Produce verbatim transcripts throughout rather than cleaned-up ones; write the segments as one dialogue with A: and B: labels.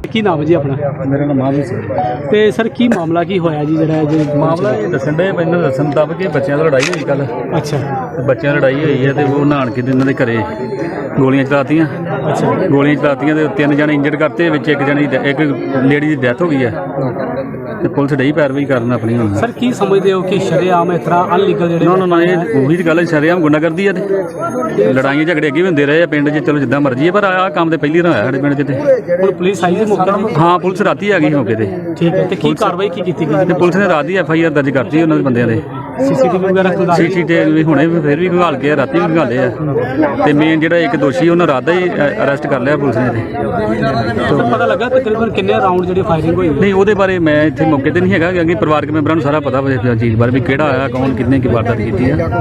A: ਕੀ ਨਾਮ ਜੀ ਆਪਣਾ?
B: ਮੇਰਾ ਨਾਮ ਮਾਹੀ ਸਿੰਘ।
A: ਤੇ ਸਰ ਕੀ ਮਾਮਲਾ ਕੀ ਹੋਇਆ ਜੀ ਜਿਹੜਾ ਜੀ
B: ਮਾਮਲਾ ਇਹ ਦੱਸਣ ਦੇ ਮੈਨੂੰ ਦੱਸਣ ਮੁਤਾਬਕ ਕਿ ਬੱਚਿਆਂ ਦੀ ਲੜਾਈ ਹੋਈ ਕੱਲ।
A: ਅੱਛਾ।
B: ਤੇ ਬੱਚਿਆਂ ਦੀ ਲੜਾਈ ਹੋਈ ਹੈ ਤੇ ਉਹ ਨਹਾਣ ਕੇ ਤੇ ਇਹਨਾਂ ਦੇ ਘਰੇ ਗੋਲੀਆਂ ਚਲਾਤੀਆਂ।
A: ਅੱਛਾ।
B: ਗੋਲੀਆਂ ਚਲਾਤੀਆਂ ਤੇ ਤਿੰਨ ਜਣੇ ਇੰਜਰਡ ਕਰਤੇ, ਵਿੱਚ ਇੱਕ ਜਣੇ ਦੀ ਇੱਕ ਲੇਡੀ ਦੀ ਡੈਥ ਹੋ ਗਈ ਹੈ ਤੇ ਪੁਲਿਸ ਡਈ ਪੈਰਵਾਈ ਕਰਨ ਆਪਣੀ ਹੁਣ।
A: ਸਰ ਕੀ ਸਮਝਦੇ ਹੋ ਕਿ ਸ਼ਰੇਆਮ ਇਸ ਤਰ੍ਹਾਂ ਅਨਲੀਗਲ ਜਿਹੜੇ
B: ਨਾ ਨਾ ਇਹ ਉਹੀ ਦੀ ਗੱਲ ਹੈ, ਸ਼ਰੇਆਮ ਗੁੰਡਾਗਰਦੀ ਆ ਤੇ ਲੜਾਈਆਂ ਝਗੜੇ ਅੱਗੇ ਵੀ ਹੁੰਦੇ ਰਹੇ ਆ ਪਿੰਡ 'ਚ। ਚਲੋ ਜਿੱਦਾਂ ਮਰਜ਼ੀ ਹੈ, ਪਰ ਆਹ ਕੰਮ ਤੇ ਪਹਿਲੀ ਵਾਰ ਹੋਇਆ ਸਾਡੇ ਪਿੰਡ 'ਚ। ਤੇ
A: ਹੁਣ ਪੁਲਿਸ ਆਈ ਜੀ ਮੌਕੇ ਤੇ?
B: ਹਾਂ, ਪੁਲਿਸ ਰਾਤੀ ਆ ਗਈ ਮੌਕੇ ਤੇ।
A: ਠੀਕ ਹੈ। ਤੇ ਕੀ ਕਾਰਵਾਈ ਕੀ ਕੀਤੀ ਗਈ?
B: ਤੇ ਪੁਲਿਸ ਨੇ ਰਾਤ ਦੀ ਐਫ ਆਈ ਆਰ ਦਰਜ ਕਰਤੀ ਉਹਨਾਂ ਦੇ ਬੰਦਿਆਂ ਦੇ।
A: ਸੀਸੀਟੀਵੀ ਵਗੈਰਾ ਖੁਦਾ
B: ਸੀਸੀਟੀਵੀ ਹੁਣੇ ਫਿਰ ਵੀ ਘਾਲ ਕੇ ਰਾਤੀ ਵੀ ਘਾਲੇ ਆ ਤੇ ਮੇਨ ਜਿਹੜਾ ਇੱਕ ਦੋਸ਼ੀ ਉਹਨਾਂ ਰਾਤ ਦਾ ਹੀ ਅਰੈਸਟ ਕਰ ਲਿਆ ਪੁਲਿਸ ਨੇ।
A: ਤੇ ਪਤਾ ਲੱਗਾ ਤਕਰੀਬਨ ਕਿੰਨੇ ਰਾਉਂਡ ਜਿਹੜੀ ਫਾਇਰਿੰਗ ਹੋਈ?
B: ਨਹੀਂ, ਉਹਦੇ ਬਾਰੇ ਮੈਂ ਇੱਥੇ ਮੌਕੇ ਤੇ ਨਹੀਂ ਹੈਗਾ, ਕਿਉਂਕਿ ਪਰਿਵਾਰਕ ਮੈਂਬਰਾਂ ਨੂੰ ਸਾਰਾ ਪਤਾ ਵਾ ਚੀਜ਼ ਬਾਰੇ ਵੀ ਕਿਹੜਾ ਆਇਆ, ਕੌਣ ਕਿੰਨੇ ਕੀ ਵਾਰਦਾਤ ਕੀਤੀ ਆ।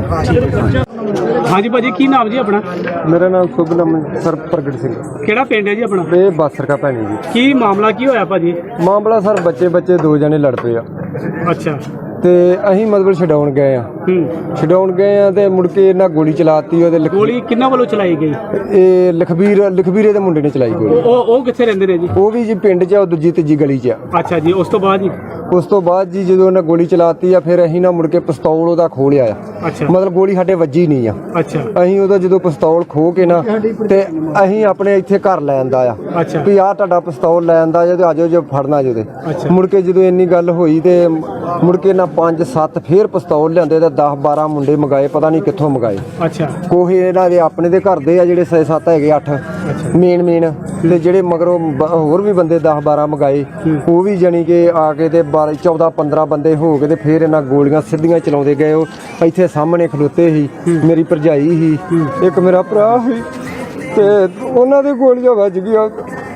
A: ਹਾਂਜੀ ਭਾਜੀ, ਕੀ ਨਾਮ ਜੀ ਆਪਣਾ?
C: ਮੇਰਾ ਨਾਮ ਸੁਭਨਮ ਸਰ ਪ੍ਰਗਟ ਸਿੰਘ।
A: ਕਿਹੜਾ ਪਿੰਡ ਹੈ ਜੀ ਆਪਣਾ?
C: ਇਹ ਬਾਸਰਕਾ ਭੈਣੀ ਜੀ।
A: ਕੀ ਮਾਮਲਾ ਕੀ ਹੋਇਆ ਭਾਜੀ?
C: ਮਾਮਲਾ ਸਰ ਬੱਚੇ ਬੱਚੇ ਦੋ ਜਣੇ ਲੜ ਪਏ ਆ
A: ਅੱਛਾ।
C: ਤੇ ਅਸੀਂ ਮਤਲਬ ਛਡਾਉਣ ਗਏ ਆ
A: ਹੂੰ।
C: ਛਡਾਉਣ ਗਏ ਆ ਤੇ ਮੁੜ ਕੇ ਇਹਨਾਂ ਗੋਲੀ ਚਲਾਤੀ। ਉਹਦੇ ਲਖ-
A: ਗੋਲੀ ਕਿੰਨਾਂ ਵੱਲੋਂ ਚਲਾਈ ਗਈ?
C: ਇਹ ਲਖਬੀਰ ਲਖਬੀਰੇ ਦੇ ਮੁੰਡੇ ਨੇ ਚਲਾਈ ਗੋਲੀ।
A: ਉਹ ਉਹ ਕਿੱਥੇ ਰਹਿੰਦੇ ਨੇ ਜੀ?
C: ਉਹ ਵੀ ਜੀ ਪਿੰਡ 'ਚ ਆ, ਉਹ ਦੂਜੀ ਤੀਜੀ ਗਲੀ 'ਚ ਆ।
A: ਅੱਛਾ ਜੀ। ਉਸ ਤੋਂ ਬਾਅਦ ਜੀ?
C: ਉਸ ਤੋਂ ਬਾਅਦ ਜੀ ਜਦੋਂ ਉਹਨਾਂ ਗੋਲੀ ਚਲਾਤੀ ਆ, ਫਿਰ ਅਸੀਂ ਨਾ ਮੁੜ ਕੇ ਪਿਸਤੌਲ ਉਹਦਾ ਖੋਲਿਆ ਆ।
A: ਅੱਛਾ।
C: ਮਤਲਬ ਗੋਲੀ ਸਾਡੇ ਵੱਜੀ ਨਹੀਂ ਆ।
A: ਅੱਛਾ।
C: ਅਸੀਂ ਉਹਦਾ ਜਦੋਂ ਪਿਸਤੌਲ ਖੋ ਕੇ ਨਾ ਤੇ ਅਸੀਂ ਆਪਣੇ ਇੱਥੇ ਘਰ ਲੈ ਆਂਦਾ ਆ
A: ਅੱਛਾ।
C: ਵੀ ਆਹ ਤੁਹਾਡਾ ਪਿਸਤੌਲ ਲੈ ਆਂਦਾ ਜੇ ਤੇ ਆਜੋ ਜੇ ਫੜਨਾ ਜੇ ਤੇ।
A: ਅੱਛਾ।
C: ਮੁੜ ਕੇ ਜਦੋਂ ਇੰਨੀ ਗੱਲ ਹੋਈ ਤੇ ਮੁੜ ਕੇ ਨਾ ਪੰਜ ਸੱਤ ਫੇਰ ਪਿਸਤੌਲ ਲਿਆਂਦੇ ਤੇ ਦਸ ਬਾਰਾਂ ਮੁੰਡੇ ਮੰਗਾਏ, ਪਤਾ ਨਹੀਂ ਕਿੱਥੋਂ ਮੰਗਾਏ।
A: ਅੱਛਾ।
C: ਕੋਈ ਇਹਨਾਂ ਦੇ ਆਪਣੇ ਦੇ ਘਰ ਦੇ ਆ ਜਿਹੜੇ ਛੇ ਸੱਤ ਹੈਗੇ ਅੱਠ ਮੇਨ ਮੇਨ, ਤੇ ਜਿਹੜੇ ਮਗਰੋਂ ਬ- ਹੋਰ ਵੀ ਬੰਦੇ ਦਸ ਬਾਰਾਂ ਮੰਗਾਏ। ਉਹ ਵੀ ਜਾਣੀ ਕਿ ਆ ਕੇ ਤੇ ਬਾਰਾਂ ਚੌਦਾਂ ਪੰਦਰਾਂ ਬੰਦੇ ਹੋ ਕੇ ਤੇ ਫਿਰ ਇਹਨਾਂ ਗੋਲੀਆਂ ਸਿੱਧੀਆਂ ਚਲਾਉਂਦੇ ਗਏ। ਉਹ ਇੱਥੇ ਸਾਹਮਣੇ ਖਲੋਤੇ ਸੀ, ਮੇਰੀ ਭਰਜਾਈ ਸੀ, ਇੱਕ ਮੇਰਾ ਭਰਾ ਸੀ, ਤੇ ਉਹਨਾਂ ਦੇ ਗੋਲੀਆਂ ਵੱਜ ਗਈਆਂ।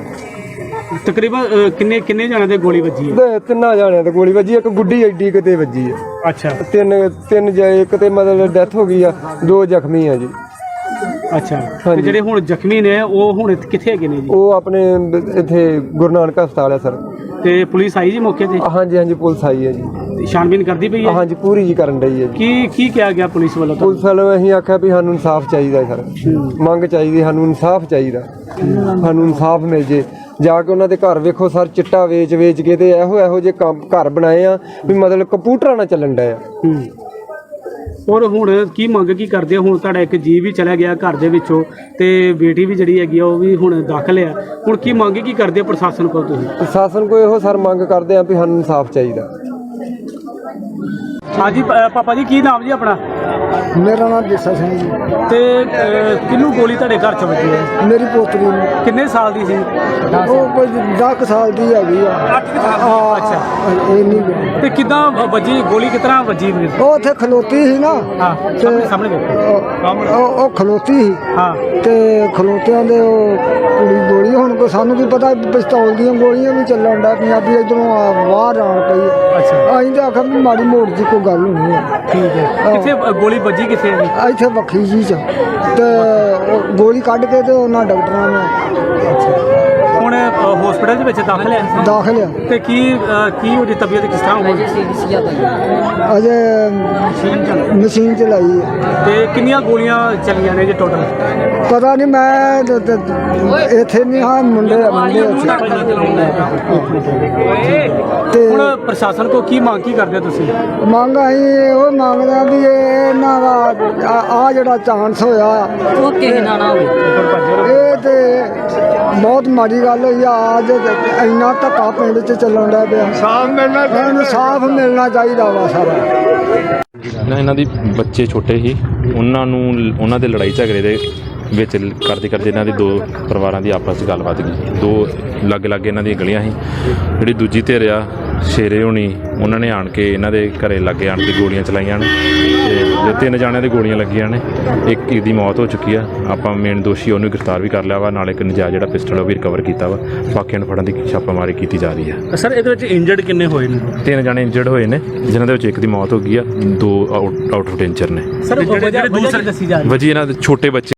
A: ਤਕਰੀਬਨ ਅ, ਕਿੰਨੇ ਕਿੰਨੇ ਜਣਿਆਂ ਦੇ ਗੋਲੀ ਵੱਜੀ ਹੈ?
C: ਤੇ ਤਿੰਨਾਂ ਜਾਣਿਆਂ ਤੇ ਗੋਲੀ ਵੱਜੀ, ਇੱਕ ਗੁੱਡੀ ਐਡੀ ਕਿਤੇ ਵੱਜੀ ਹੈ।
A: ਅੱਛਾ।
C: ਤਿੰਨ ਤਿੰਨ ਜਾਏ, ਇੱਕ ਤੇ ਮਤਲਬ ਡੈਥ ਹੋ ਗਈ ਆ, ਦੋ ਜ਼ਖਮੀ ਆ ਜੀ।
A: ਅੱਛਾ। ਤੇ ਜਿਹੜੇ ਹੁਣ ਜ਼ਖਮੀ ਨੇ ਉਹ ਹੁਣ ਇੱਥੇ ਕਿੱਥੇ ਹੈਗੇ ਨੇ ਜੀ?
C: ਉਹ ਆਪਣੇ ਇੱਥੇ ਗੁਰੂ ਨਾਨਕ ਹਸਪਤਾਲ ਆ ਸਰ।
A: ਤੇ ਪੁਲਿਸ ਆਈ ਜੀ ਮੌਕੇ ਤੇ?
C: ਹਾਂਜੀ ਹਾਂਜੀ ਪੁਲਿਸ ਆਈ ਹੈ ਜੀ।
A: ਤੇ ਛਾਣਬੀਨ ਕਰਦੀ ਪਈ ਹੈ?
C: ਹਾਂਜੀ ਪੂਰੀ ਜੀ ਕਰਨ ਡਈ ਹੈ ਜੀ।
A: ਕੀ ਕੀ ਕਿਹਾ ਗਿਆ ਪੁਲਿਸ ਵੱਲੋਂ? ਤੁਹਾਨੂੰ?
C: ਪੁਲਿਸ ਵਾਲਿਆਂ ਅਸੀਂ ਆਖਿਆ ਵੀ ਸਾਨੂੰ ਇਨਸਾਫ ਚਾਹੀਦਾ ਸਰ, ਮੰਗ ਚਾਹੀਦੀ, ਸਾਨੂੰ ਇਨਸਾਫ ਚਾਹੀਦਾ, ਸਾਨੂੰ ਇਨਸਾਫ ਮਿਲ ਜੇ। ਜਾ ਕੇ ਉਹਨਾਂ ਦੇ ਘਰ ਵੇਖੋ ਸਰ, ਚਿੱਟਾ ਵੇਚ ਵੇਚ ਕੇ ਤੇ ਇਹੋ ਇਹੋ ਜਿਹੇ ਕੰਮ ਘਰ ਬਣਾਏ ਆ ਵੀ ਮਤਲਬ ਕੰਪਿਊਟਰਾਂ ਨਾਲ ਚੱਲਣ ਡਿਆ।
A: ਹੂੰ। ਔਰ ਹੁਣ ਕੀ ਮੰਗ ਕੀ ਕਰਦੇ ਹੋ? ਹੁਣ ਤੁਹਾਡਾ ਇੱਕ ਜੀ ਵੀ ਚਲਾ ਗਿਆ ਘਰ ਦੇ ਵਿੱਚੋਂ ਤੇ ਬੇਟੀ ਵੀ ਜਿਹੜੀ ਹੈਗੀ ਆ ਉਹ ਵੀ ਹੁਣ ਦਾਖਲ ਆ। ਹੁਣ ਕੀ ਮੰਗ ਕੀ ਕਰਦੇ ਹੋ ਪ੍ਰਸ਼ਾਸਨ ਕੋਲ ਤੁਸੀਂ?
C: ਪ੍ਰਸ਼ਾਸਨ ਕੋਲ ਇਹੋ ਸਰ ਮੰਗ ਕਰਦੇ ਆ ਵੀ ਸਾਨੂੰ ਇਨਸਾਫ ਚਾਹੀਦਾ।
A: ਹਾਂਜੀ ਪ- ਪਾਪਾ ਜੀ, ਕੀ ਨਾਮ ਜੀ ਆਪਣਾ?
D: ਮੇਰਾ ਨਾਮ ਜੱਸਾ ਸਿੰਘ ਜੀ।
A: ਤੇ ਅ, ਕਿਹਨੂੰ ਗੋਲੀ ਤੁਹਾਡੇ ਘਰ ਚ ਵੱਜੀ ਹੈ?
D: ਮੇਰੀ ਪੋਤਰੀ ਨੂੰ
A: ਕਿੰਨੇ ਸਾਲ ਦੀ ਸੀ?
D: ਉਹ ਕੋਈ ਦਸ ਸਾਲ ਦੀ ਹੈਗੀ ਆ।
A: ਹਾਂ। ਅੱਛਾ।
D: ਇਹ ਨਹੀਂ
A: ਤੇ ਕਿੱਦਾਂ ਵੱਜੀ ਗੋਲੀ? ਕਿਸ ਤਰ੍ਹਾਂ ਵੱਜੀ?
D: ਉਹ ਉੱਥੇ ਖਲੋਤੀ ਸੀ ਨਾ।
A: ਹਾਂ, ਸਾਹਮਣੇ ਸਾਹਮਣੇ ਦੇਖੋ।
D: ਉਹ- ਉਹ ਉਹ ਖਲੋਤੀ ਸੀ
A: ਹਾਂ।
D: ਤੇ ਖਲੋਤਿਆਂ ਦੇ ਉਹ ਕੁੜੀ ਗੋਲੀ, ਹੁਣ ਕੋ ਸਾਨੂੰ ਵੀ ਪਤਾ ਪਿਸਤੌਲ ਦੀਆਂ ਗੋਲੀਆਂ ਵੀ ਚੱਲਣ ਦਾ ਪੰਜਾਬੀ ਇਧਰੋਂ ਬਾਹਰ ਆਣ ਪਈ।
A: ਅੱਛਾ।
D: ਅਸੀਂ ਤਾਂ ਆਖਿਆ ਵੀ ਮਾੜੀ ਮੋੜ ਦੀ ਕੋਈ ਗੱਲ ਹੋਣੀ ਹੈ।
A: ਠੀਕ ਹੈ। ਕਿੱਥੇ ਅ, ਗੋਲੀ ਵੱਜੀ ਕਿੱਥੇ ਹੈ ਜੀ?
D: ਇੱਥੇ ਵੱਖਰੀ ਜੀ ਚ ਤੇ ਉਹ ਗੋਲੀ ਕੱਢ ਕੇ ਤੇ ਉਹਨਾਂ ਡਾਕਟਰਾਂ ਨੇ
A: ਹੁਣ ਹਸਪੀਟਲ ਦੇ ਵਿੱਚ ਦਾਖਲ ਹੈ?
D: ਦਾਖਲ ਆ।
A: ਤੇ ਕੀ ਅ, ਕੀ ਉਹਦੀ ਤਬੀਅਤ ਕਿਸ ਤਰ੍ਹਾਂ ਹੋਈ?
D: ਅਜੇ ਮਸ਼ੀਨ ਚਲਾਈ ਹੈ।
A: ਤੇ ਕਿੰਨੀਆਂ ਗੋਲੀਆਂ ਚੱਲੀਆਂ ਨੇ ਜੀ ਟੋਟਲ?
D: ਪਤਾ ਨਹੀਂ, ਮੈਂ ਤ- ਤ- ਇੱਥੇ ਨਹੀਂ ਹਾਂ, ਮੁੰਡੇ ਮੁੰਡੇ ਉੱਥੇ। ਤੇ
A: ਹੁਣ ਪ੍ਰਸ਼ਾਸਨ ਕੋ ਕੀ ਮੰਗ ਕੀ ਕਰਦੇ ਹੋ ਤੁਸੀਂ?
D: ਮੰਗ ਅਸੀਂ ਉਹ ਮੰਗਦੇ ਆ ਵੀ ਇਹ ਇਹਨਾਂ ਦਾ ਆ ਜਿਹੜਾ ਚਾਂਸ ਹੋਇਆ
E: ਉਹ ਕਿਸੇ ਨਾਲ ਨਾ ਹੋਵੇ।
D: ਇਹ ਤੇ ਬਹੁਤ ਮਾੜੀ ਗੱਲ ਹੋਈ ਆ। ਅੱਜ ਇੰਨਾ ਧੱਕਾ ਪਿੰਡ 'ਚ ਚੱਲਣ ਦਾ ਪਿਆ। ਸਾਫ ਮਿਲਣਾ ਚਾਹੀਦਾ, ਸਾਫ ਮਿਲਣਾ ਚਾਹੀਦਾ ਵਾ ਸਾਰਾ।
F: ਨਾ ਇਹਨਾਂ ਦੀ ਬੱਚੇ ਛੋਟੇ ਸੀ, ਉਹਨਾਂ ਨੂੰ ਉਹਨਾਂ ਦੇ ਲੜਾਈ ਝਗੜੇ ਦੇ ਵਿੱਚ ਕਰਦੇ ਕਰਦੇ ਇਹਨਾਂ ਦੀ ਦੋ ਪਰਿਵਾਰਾਂ ਦੀ ਆਪਸ 'ਚ ਗੱਲਬਾਤ ਗਈ। ਦੋ ਲਾਗੇ ਲਾਗੇ ਇਹਨਾਂ ਦੀਆਂ ਗਲੀਆਂ ਸੀ। ਜਿਹੜੀ ਦੂਜੀ ਧਿਰ ਆ ਸ਼ੇਰੇ ਹੋਣੀ, ਉਹਨਾਂ ਨੇ ਆਣ ਕੇ ਇਹਨਾਂ ਦੇ ਘਰੇ ਲਾਗੇ ਆਣ ਕੇ ਗੋਲੀਆਂ ਚਲਾਈਆਂ ਨੇ ਤੇ ਤਿੰਨ ਜਾਣਿਆਂ ਦੇ ਗੋਲੀਆਂ ਲੱਗੀਆਂ ਨੇ। ਇੱਕ ਦੀ ਮੌਤ ਹੋ ਚੁੱਕੀ ਆ। ਆਪਾਂ ਮੇਨ ਦੋਸ਼ੀ ਉਹਨੂੰ ਗ੍ਰਿਫਤਾਰ ਵੀ ਕਰ ਲਿਆ ਵਾ, ਨਾਲ ਇੱਕ ਨਜਾਇਜ਼ ਜਿਹੜਾ ਪਿਸਟਲ ਉਹ ਵੀ ਰਿਕਵਰ ਕੀਤਾ ਵਾ। ਬਾਕੀਆਂ ਨੂੰ ਫੜਨ ਦੀ ਛਾਪਾਮਾਰੀ ਕੀਤੀ ਜਾ ਰਹੀ ਆ।
A: ਸਰ ਇਹਦੇ ਵਿੱਚ ਇੰਜਰਡ ਕਿੰਨੇ ਹੋਏ ਨੇ?
F: ਤਿੰਨ ਜਾਣੇ ਇੰਜਰਡ ਹੋਏ ਨੇ, ਜਿਨ੍ਹਾਂ ਦੇ ਵਿੱਚ ਇੱਕ ਦੀ ਮੌਤ ਹੋ ਗਈ ਆ, ਦੋ ਆਊਟ ਆਊਟ ਆਫ ਡੇਂਜਰ ਨੇ।
A: ਸਰ ਜਿਹੜੇ ਦੂਸਰੇ ਦੱਸੀ ਜਾ ਰਹੀ
F: ਵਜੀ ਇਹਨਾਂ ਦੇ ਛੋਟੇ ਬੱਚੇ